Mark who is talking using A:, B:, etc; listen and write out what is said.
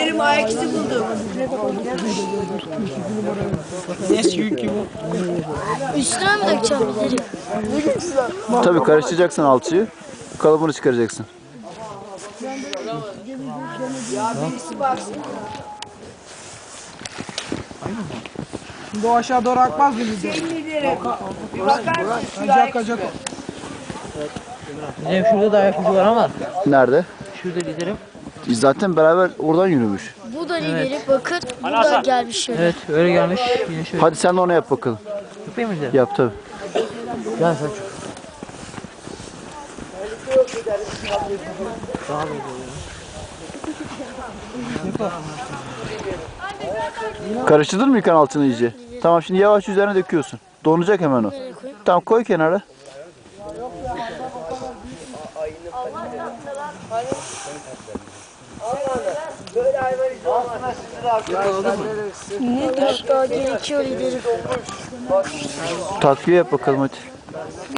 A: liderim ayak izi buldum.
B: Üstüne mi dökeceğim liderim?
C: Tabii karıştıracaksın alçıyı. Kalıbını çıkaracaksın.
A: Ya birisi baksın.
D: Şimdi o aşağı doğru akmaz mı lider?
A: Senin liderim. Bir bakar mısın şu
D: Acak
A: ayak
D: acak.
E: Liderim şurada da ayak ucu var ama.
C: Nerede?
E: Şurada liderim.
C: Zaten beraber oradan yürümüş.
B: Bu da lideri. Bakın bu da gelmiş şöyle.
E: Evet öyle gelmiş. Yine şöyle.
C: Hadi sen de onu yap bakalım.
E: Yapayım mı liderim?
C: Yap tabii.
E: Gel Selçuk.
C: Karıştırdın mı yıkan altını iyice? Tamam, şimdi yavaş üzerine döküyorsun. Donacak hemen o. Tamam, koy kenara.
A: böyle hayvan izi olmaz.
B: Daha gerekiyor liderim.
C: Takviye yap bakalım hadi.